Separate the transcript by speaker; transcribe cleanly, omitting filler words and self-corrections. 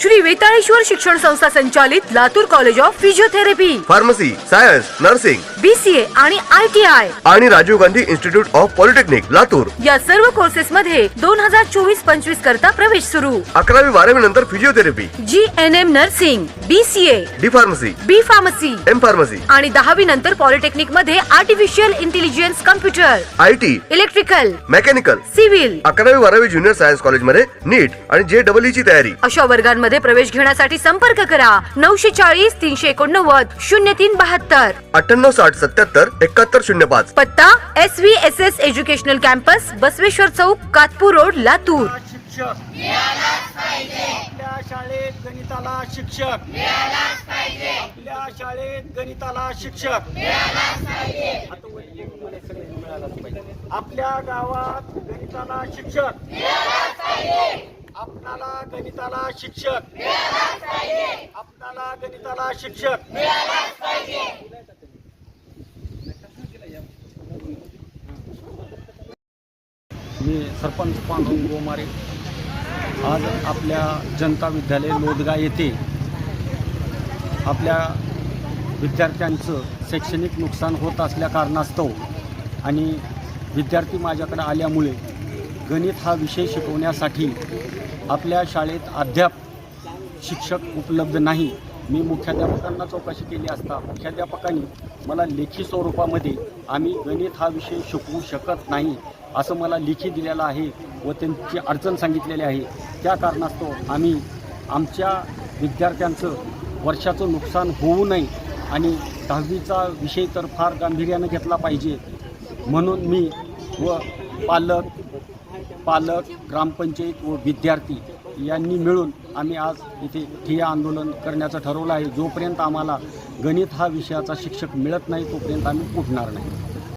Speaker 1: श्री वेताळेश्वर शिक्षण संस्था संचालित Latur college of physiotherapy,
Speaker 2: pharmacy, science, nursing,
Speaker 1: BCA आणि ITI
Speaker 2: आणि Rajiv Gandhi institute of polytechnic Latur
Speaker 1: या सर्व कोर्सेस मध्ये 2024-25 करता प्रवेश सुरू।
Speaker 2: 11वी 12वी नंतर physiotherapy,
Speaker 1: GNM nursing, BCA,
Speaker 2: D pharmacy,
Speaker 1: B pharmacy
Speaker 2: M pharmacy
Speaker 1: आणि 10वी नंतर पॉलिटेक्निक मध्ये artificial intelligence, computer,
Speaker 2: IT,
Speaker 1: electrical,
Speaker 2: mechanical,
Speaker 1: civil
Speaker 2: 11वी 12वी ज्युनियर सायन्स कॉलेज मध्ये नीट आणि JEE ची तयारी।
Speaker 1: अशा वर्गांमध्ये प्रवेश घेण्यासाठी संपर्क करा 940 389 0372,
Speaker 2: 98 60 77 71 05।
Speaker 1: पत्ता SVSS educational campus, Basaveshwar chowk, Katpur road, Latur.
Speaker 3: शिक्षक मिळालाच पाहिजे आपल्या शाळेत गणिताला शिक्षक मिळालाच पाहिजे आपल्या शाळेत गणिताला शिक्षक मिळालाच पाहिजे आता वैयक्तिक मला सगळ्यांना मिळालाच पाहिजे आपल्या गावात गणिताला शिक्षक मिळालाच पाहिजे आपणाला गणिताला शिक्षक मिळालाच पाहिजे आपणाला गणिताला शिक्षक मिळालाच पाहिजे।
Speaker 4: मी सरपंच पांडुरंग गोमारे आज आपल्या जनता विद्यालय लोदगा येथे आपल्या विद्यार्थ्यांचं शैक्षणिक नुकसान होत असल्या कारणास्तव आणि विद्यार्थी माझ्याकडे आल्यामुळे गणित हा विषय शिकवण्यासाठी आपल्या शाळेत अद्याप शिक्षक उपलब्ध नाही। मी मुख्याध्यापकांना चौकशी केली असता मुख्याध्यापकांनी मला लेखी स्वरूपामध्ये आम्ही गणित हा विषय शिकवू शकत नाही असं मला लेखी दिलेलं आहे व त्यांची अडचण सांगितलेली आहे। त्या कारणास्तव आम्ही आमच्या विद्यार्थ्यांचं वर्षाचं नुकसान होऊ नये आणि 10वीचा विषय तर फार गांभीर्यानं घेतला पाहिजे म्हणून मी व पालक ग्रामपंचायत व विद्यार्थी यांनी मिळून आम्ही आज इथे ठिय्या आंदोलन करण्याचं ठरवलं आहे। जोपर्यंत आम्हाला गणित हा विषयाचा शिक्षक मिळत नाही तोपर्यंत आम्ही उठणार नाही।